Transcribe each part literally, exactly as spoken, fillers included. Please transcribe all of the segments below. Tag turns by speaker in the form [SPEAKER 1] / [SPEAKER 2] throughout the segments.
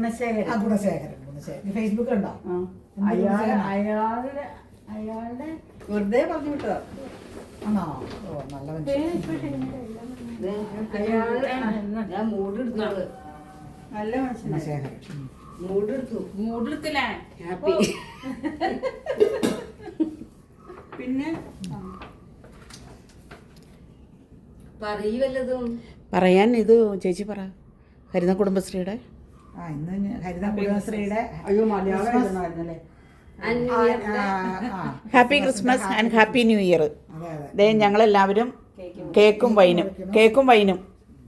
[SPEAKER 1] ഗുണശേഖരൻ.
[SPEAKER 2] ആ ഗുണശേഖരൻ ഗുണശേഖരൻ ഫേസ്ബുക്കിലുണ്ടോ?
[SPEAKER 1] അയാളെ അയാളുടെ അയാളുടെ വെറുതെ പറഞ്ഞു വിട്ടതാ.
[SPEAKER 2] ആണോ? ഓ നല്ല മനുഷ്യൻ.
[SPEAKER 1] ഞാൻ മൂടെടുത്തത് നല്ല മനുഷ്യൻ.
[SPEAKER 2] ഗുണശേഖരൻ
[SPEAKER 1] മൂടെടുത്തു മൂടെടുത്തില്ല. ഹാപ്പി. പിന്നെ പറയൂ വല്ലതും
[SPEAKER 3] പറയാൻ. ഇത് ചേച്ചി പറ. ഹരിത കുടുംബശ്രീയുടെ
[SPEAKER 2] ആ ഇന്ന് ഹരിത കുടുംബശ്രീയുടെ
[SPEAKER 1] അയ്യോ Malayalam
[SPEAKER 3] happy Christmas and happy new year.
[SPEAKER 2] അതെ അതെ.
[SPEAKER 3] ദേ ഞങ്ങളെല്ലാവരും കേക്കും വൈനും കേക്കും വൈനും.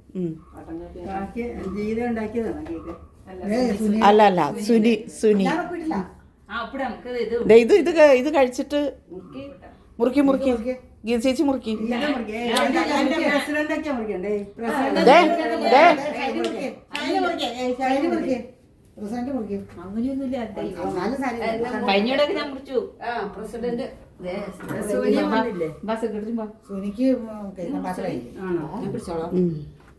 [SPEAKER 1] ജീവിതം ഉണ്ടാക്കിയതാണ് കേക്ക്.
[SPEAKER 3] അല്ല അല്ല സുനി സുനി
[SPEAKER 2] ഞാൻ ഒപ്പിട്ടില്ല.
[SPEAKER 3] ദേ ഇത് ഇത് ക- ഇത് കഴിച്ചിട്ട് മുറുക്കി മുറുക്കി ഗീത ചേച്ചി മുറുക്കി.
[SPEAKER 1] പ്രസിഡന്റൊക്കെ മുറിക്കണ്ടേ?
[SPEAKER 3] ദേ ദേ
[SPEAKER 2] ഷൈനി മുറിക്ക്. ഷൈനി മുറിക്ക്. ഏയ് ഷൈനി മുറിക്ക്. പ്രസിഡന്റ് മുറിക്ക്.
[SPEAKER 1] അങ്ങനെയൊന്നുമില്ല.
[SPEAKER 2] നല്ല സാരി.
[SPEAKER 3] കഴിഞ്ഞിടക്ക് ഞാൻ മുറിച്ചു.
[SPEAKER 1] പ്രസിഡന്റ്
[SPEAKER 2] സുനിക്ക് കേൾക്കണ്ടാക്കലായി.
[SPEAKER 3] ഉം.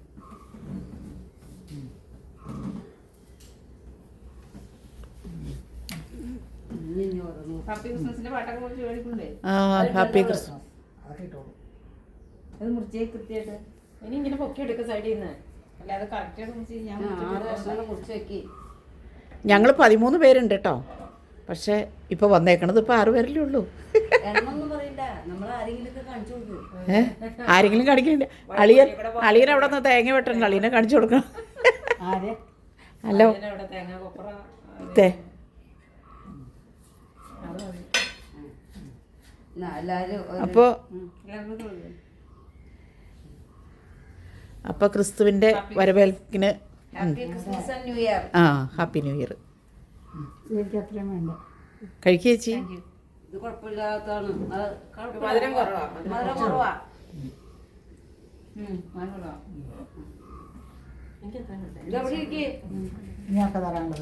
[SPEAKER 1] ഹാപ്പി ക്രിസ്മസിന്റെ പാട്ടൊക്കെ കുറിച്ച് കേൾക്കണ്ടേ?
[SPEAKER 3] ആ ഹാപ്പി ക്രിസ്മസ്.
[SPEAKER 2] അതൊക്കെ ഇട്ടോളൂ.
[SPEAKER 1] അത് മുറിച്ചേ കൃത്യമായിട്ട്. ഇനി ഇങ്ങനെ പൊക്കി എടുക്ക സൈഡിൽ നിന്ന്. അല്ലാതെ കറക്റ്റായിട്ട് മുറിച്ച് ഞാൻ മുറിച്ച് വെക്കി.
[SPEAKER 3] ഞങ്ങൾ പതിമൂന്ന് പേരുണ്ട് കേട്ടോ. പക്ഷെ ഇപ്പൊ വന്നേക്കണത് ഇപ്പൊ ആറു പേരല്ലേ ഉള്ളൂ. ഏ ആരെങ്കിലും കാണിക്കണ്ട. അളിയൻ അളിയൻ അവിടെ നിന്ന് തേങ്ങ വെട്ടണ്ട. അളിയനെ കാണിച്ചു കൊടുക്കണം. ഹലോ തേ അപ്പോ അപ്പൊ ക്രിസ്തുവിന്റെ വരവേൽപ്പിന് ആ ഹാപ്പി ന്യൂ ഇയർ. കഴിക്കുക ചേച്ചി.
[SPEAKER 1] ഇത് കുഴപ്പമില്ലാത്തതാണ്. മധുരം കുറവാ. മധുരം കുറവാ. ഇതെവിടെ ഇരിക്കേ?
[SPEAKER 2] ഇനിയൊക്കെ തരാനുള്ളത്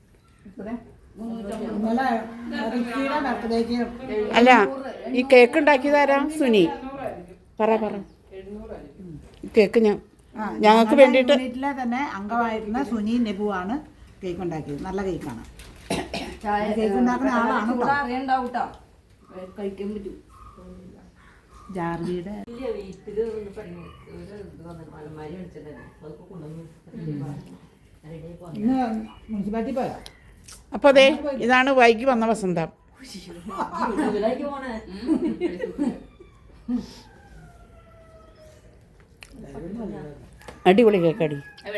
[SPEAKER 2] ഇന്നലെ റിക്കിയുടെ ബർത്ത്ഡേക്ക്
[SPEAKER 3] അല്ല ഈ കേക്ക് ഉണ്ടാക്കിയതാരാ? സുനി. പറ പറ. കേക്ക് ഞാൻ ഞങ്ങൾക്ക് വേണ്ടിയിട്ട്
[SPEAKER 2] യൂണിറ്റിലെ തന്നെ അംഗമായിരുന്ന സുനി നെബുവാണ് കേക്ക് ഉണ്ടാക്കിയത്. നല്ല കേക്കാണ്. കേക്ക് ഉണ്ടാക്കുന്ന ആളാണ് കേട്ടോ.
[SPEAKER 1] അറിയണ്ടാവൂട്ടോ. കഴിക്കാൻ പറ്റും.
[SPEAKER 2] ജാർജിയുടെ ഇന്ന് മുനിസിപ്പാലിറ്റി പോയോ?
[SPEAKER 3] അപ്പോൾ അതെ ഇതാണ് വൈകി വന്ന വസന്തം. അടിപൊളി കേക്കടി.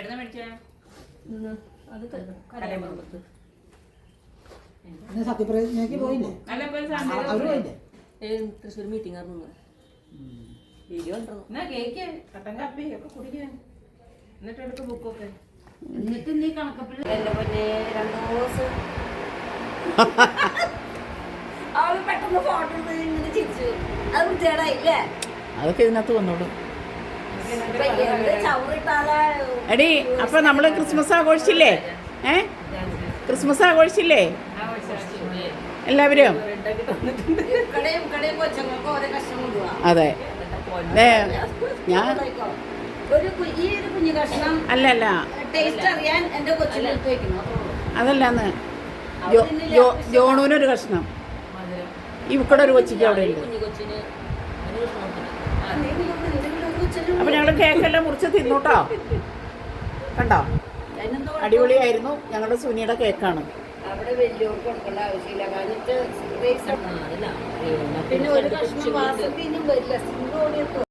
[SPEAKER 2] ഇന്ന് സത്യപ്രതിജ്ഞയ്ക്ക് പോയില്ലേ? അവര് പോയില്ലേ?
[SPEAKER 1] തൃശ്ശൂർ മീറ്റിംഗ് വീഡിയോ കേക്ക് കട്ടൻ കാപ്പി ഒക്കെ കുടിക്കാൻ. എന്നിട്ട് എടുക്ക ബുക്കൊക്കെ. എന്നിട്ട് നീ കണക്കപ്പിൽ എന്റെ പൊന്നെ രണ്ടു ദിവസം അവള് പെട്ടെന്ന് ഫോട്ടോ എടുത്ത് ഇങ്ങനെ ചിരിച്ചു. അത് വൃത്തികേടായില്ലേ?
[SPEAKER 3] അതൊക്കെ ഇതിനകത്ത് വന്നോളൂ.
[SPEAKER 1] ചവറിട്ടാലേ
[SPEAKER 3] എടി അപ്പൊ നമ്മള് ക്രിസ്മസ് ആഘോഷിച്ചില്ലേ? ഏ ക്രിസ്മസ് ആഘോഷിച്ചില്ലേ എല്ലാവരും?
[SPEAKER 1] കടയും കടയും കൊച്ചങ്ങൾക്ക് ഓരോ കഷ്ണം കൊണ്ടുപോവാ.
[SPEAKER 3] അതെ ഞാൻ
[SPEAKER 1] ഒരു ഈ ഒരു കുഞ്ഞു കഷ്ണം
[SPEAKER 3] അല്ല അല്ല
[SPEAKER 1] ടേസ്റ്റ് അറിയാൻ എന്റെ കൊച്ചിനെ എടുത്ത് വെക്കണം.
[SPEAKER 3] അതല്ലാന്ന് ജോണൂനൊരു കഷ്ണം ഇവിടെ ഒരു കൊച്ചിക്ക് അവിടെ ഉണ്ട്. അപ്പൊ ഞങ്ങള് കേക്കെല്ലാം മുറിച്ച് തിന്നൂട്ടോ. കണ്ടോ അടിപൊളിയായിരുന്നു. ഞങ്ങളുടെ സുനിയുടെ കേക്കാണ്.
[SPEAKER 1] അവിടെ വലിയവർക്ക് കൊടുക്കേണ്ട ആവശ്യമില്ല. കാരണം പിന്നെ ഒരു കഷ്ണം വാസത്തിനും വരില്ല.